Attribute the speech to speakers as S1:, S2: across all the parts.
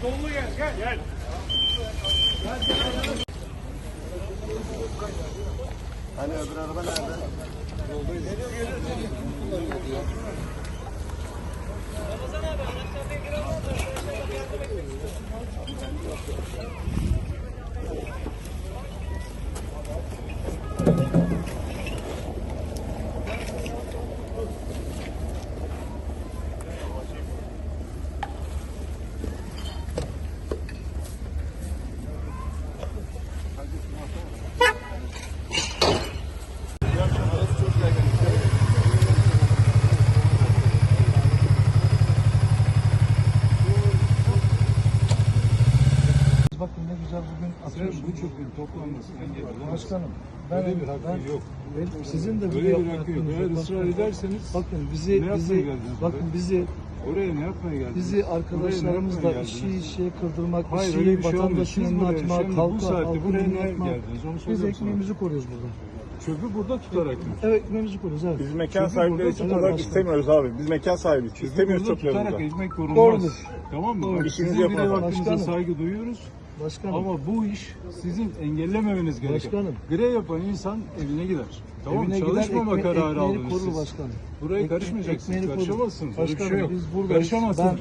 S1: Dolu gel, gel.
S2: Hani öbür araba nerede?
S3: Ramazan abi araçlarına giren var da arkadaşlar yardım etmek istiyorum.
S4: Bakın ne güzel bugün atıyorsunuz.
S5: Bu çöpün toplanması engel.
S4: Başkanım,
S5: Böyle bir hakkı yok.
S4: sizin de
S5: Böyle bir hakkı yok. Eğer ısrar ederseniz
S4: bakın
S5: ne yapmaya geldiniz buraya? Oraya ne yapmaya geldiniz?
S4: bizi arkadaşlarımızla işe kırdırmak,
S5: Hayır, öyle bir şey olmuyor.
S4: vatandaşın
S5: Siz
S4: önüne
S5: buraya
S4: atmak,
S5: şimdi bu
S4: halka
S5: saatte buraya
S4: önüne
S5: niye
S4: atmak.
S5: geldiniz? Onu
S4: Biz
S5: soruyorum sana.
S4: ekmeğimizi koruyoruz burada.
S5: Çöpü burada tutarak mı?
S4: Evet, ekmeğimizi koruyoruz, evet.
S2: Biz mekan
S5: Çünkü
S2: sahipleri
S5: burada
S2: için
S5: tutar
S2: olarak
S4: başkanım.
S2: istemiyoruz abi. Biz mekan sahibi için istemiyoruz
S5: Burada tutarak
S2: çöplerimizi.
S5: ekmek korunmaz.
S4: Doğrudur.
S5: Tamam mı?
S4: Doğru.
S5: Sizin
S2: İşinizi
S5: birey
S2: yapın.
S5: hakkınıza
S4: Başkanım.
S5: saygı duyuyoruz.
S4: Başkanım,
S5: Ama bu iş sizin engellememeniz gerekiyor.
S4: Başkanım.
S5: Grev yapan insan evine gider. Tamam
S4: evine gider,
S5: çalışmama kararı
S4: ekmeğini
S5: aldınız
S4: korur
S5: siz.
S4: başkanım.
S5: Buraya karışmayacaksınız.
S4: ekmeğini korur.
S5: Karışamazsınız. Öyle bir
S4: Başkanım,
S5: şey yok.
S4: biz buradayız.
S5: Karışamazsınız.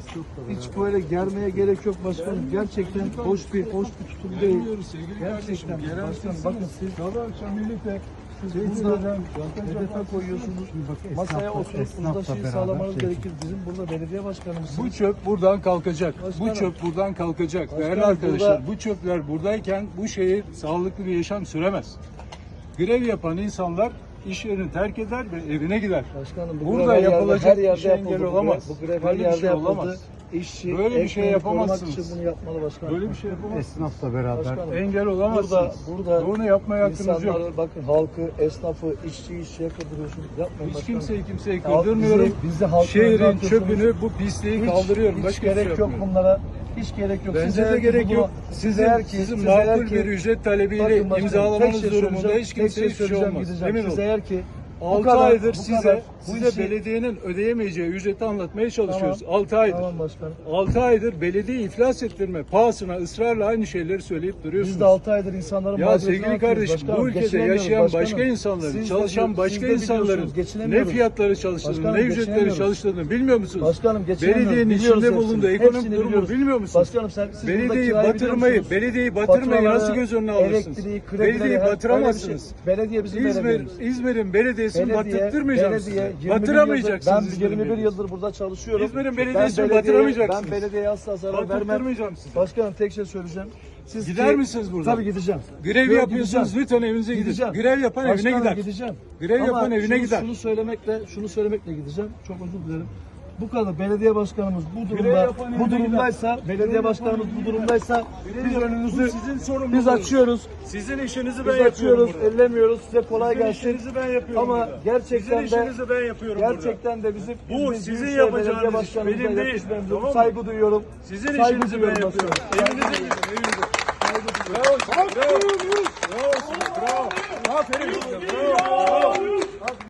S4: Hiç böyle germeye gerek yok başkanım. Gerçekten hoş bir tutum değil.
S5: Bilmiyoruz sevgili kardeşim.
S4: Gerçekten
S5: Yerel
S4: başkanım,
S5: sizsiniz.
S4: bakın siz
S5: Sabah akşam birlikte
S4: burada hedefe koyuyorsunuz. Masaya oturup uzlaşıyı sağlamanız gerekir. Bizim burada belediye başkanımız.
S5: bu çöp buradan kalkacak.
S4: Başkanım.
S5: Bu çöp buradan kalkacak.
S4: Başkanım,
S5: Değerli arkadaşlar
S4: burada-
S5: bu çöpler buradayken bu şehir sağlıklı bir yaşam süremez. Grev yapan insanlar iş yerini terk eder ve evine gider.
S4: Başkanım, bu
S5: Burada
S4: grev her
S5: yapılacak
S4: her
S5: bir
S4: yerde
S5: şey engel
S4: yapıldı.
S5: olamaz.
S4: Bu grev her
S5: Böyle bir
S4: yerde
S5: şey
S4: yapıldı.
S5: olamaz.
S4: İşçi,
S5: Böyle bir şey
S4: ekmeğini korumak
S5: yapamazsınız.
S4: için bunu yapmalı başkanım.
S5: Böyle bir şey yapamazsınız.
S6: Esnafla beraber
S4: Başkanım,
S5: Engel olamazsınız.
S4: Burada
S5: Bunu yapmaya hakkınız yok.
S4: insanları, bakın halkı, esnafı, işçiyi işçiye kırdırıyorsunuz. Yapmayın
S5: Hiç
S4: başkanım.
S5: kimseyi
S4: Halk
S5: kırdırmıyorum.
S4: bizi halkın önüne
S5: Şehrin
S4: atıyorsunuz.
S5: çöpünü, bu pisliği kaldırıyorum.
S4: Hiç
S5: Başka bir şey
S4: gerek yok
S5: yapmıyorum.
S4: bunlara. Hiç gerek yok.
S5: Bence
S4: eğer
S5: de
S4: ki
S5: gerek
S4: bunu-
S5: yok. Sizin
S4: eğer
S5: sizin
S4: eğer
S5: makul bir ücret talebiyle
S4: Bakın başkanım,
S5: imzalamanız
S4: tek şey
S5: durumunda
S4: söyleyeceğim,
S5: hiç
S4: tek
S5: kimseye hiçbir şey
S4: söyleyeceğim,
S5: olmaz.
S4: gideceğim.
S5: Emin
S4: Siz
S5: olun.
S4: eğer ki
S5: 6
S4: kadar-
S5: aydır
S4: bu
S5: size
S4: kadar bu
S5: size
S4: işi-
S5: belediyenin ödeyemeyeceği ücreti anlatmaya çalışıyoruz. 6 aydır.
S4: Tamam başkanım.
S5: 6 aydır belediye iflas ettirme pahasına ısrarla aynı şeyleri söyleyip duruyorsunuz.
S4: Biz de 6 aydır insanların
S5: Ya
S4: mağduriyetini
S5: sevgili
S4: anlatıyoruz
S5: kardeşim
S4: başkanım.
S5: bu ülkede
S4: Geçinemiyoruz
S5: yaşayan
S4: başkanım.
S5: başka insanların,
S4: Siz de
S5: çalışan başka
S4: siz de
S5: insanların
S4: biliyorsunuz,
S5: ne
S4: geçinemiyoruz.
S5: fiyatları çalıştığını,
S4: Başkanım,
S5: ne ücretleri
S4: geçinemiyoruz.
S5: çalıştığını bilmiyor musunuz?
S4: Başkanım geçinemiyoruz.
S5: Belediyenin
S4: Biliyoruz
S5: içinde
S4: hepsini.
S5: bulunduğu ekonomik
S4: Hepsini
S5: durumu
S4: biliyoruz.
S5: bilmiyor musunuz?
S4: Başkanım siz burada
S5: Belediyeyi
S4: kirayı
S5: batırmayı,
S4: biliyor musunuz?
S5: belediyeyi batırmayı nasıl
S4: Faturaları,
S5: göz önüne alırsınız?
S4: elektriği, kredileri,
S5: Belediyeyi
S4: her-
S5: batıramazsınız.
S4: öyle bir şey. Belediye bizim belediyemiz.
S5: İzmir'in belediyesini
S4: Belediye
S5: batırtmayacaksınız.
S4: 21
S5: Batıramayacaksınız.
S4: yıldır, ben
S5: İzmir'in
S4: 21
S5: belediyesini.
S4: yıldır burada çalışıyorum.
S5: İzmir'in
S4: Ben
S5: belediyesini
S4: belediyeye-
S5: batıramayacaksınız.
S4: Ben belediyeye asla zarar vermem.
S5: Battırmayacağım sizi.
S4: Başkanım tek şey söyleyeceğim. Siz
S5: Gider misiniz buradan?
S4: Tabii gideceğim.
S5: Grev
S4: Yok,
S5: yapıyorsunuz,
S4: gideceğim.
S5: lütfen evinize gidin.
S4: Gideceğim.
S5: Grev yapan evine
S4: Başkanım,
S5: gider.
S4: Gideceğim.
S5: Grev
S4: Ama
S5: yapan evine gider.
S4: şunu söylemekle gideceğim. Çok özür dilerim. Bu kadar belediye başkanımız bu
S5: Grev
S4: durumda
S5: yapan
S4: bu
S5: evine
S4: durumdaysa,
S5: gider.
S4: belediye
S5: Grev
S4: başkanımız
S5: yapan
S4: bu
S5: evine
S4: durumdaysa biz önünüzü
S5: sizin sorumluluğunuz.
S4: biz açıyoruz.
S5: Sizin işinizi
S4: Biz
S5: ben yapıyorum
S4: açıyoruz,
S5: burada.
S4: ellemiyoruz. Size kolay
S5: Sizin
S4: gelsin.
S5: işinizi ben yapıyorum
S4: Ama
S5: burada.
S4: gerçekten
S5: Sizin
S4: de
S5: işinizi ben yapıyorum burada.
S4: gerçekten de bizim
S5: Bu
S4: biz
S5: sizin
S4: Büyükşehir
S5: yapacağınız
S4: Belediye
S5: iş,
S4: Başkanımıza
S5: benim değil.
S4: yakışmıyorum.
S5: Tamam mı?
S4: Saygı duyuyorum.
S5: Sizin
S4: Saygı
S5: işinizi ben
S4: duyuyorum
S5: yapıyorum.
S4: başkanım.
S5: Evinize gidin, evinize. Bravo, bravo. Bravo, bravo. Aferin size, bravo.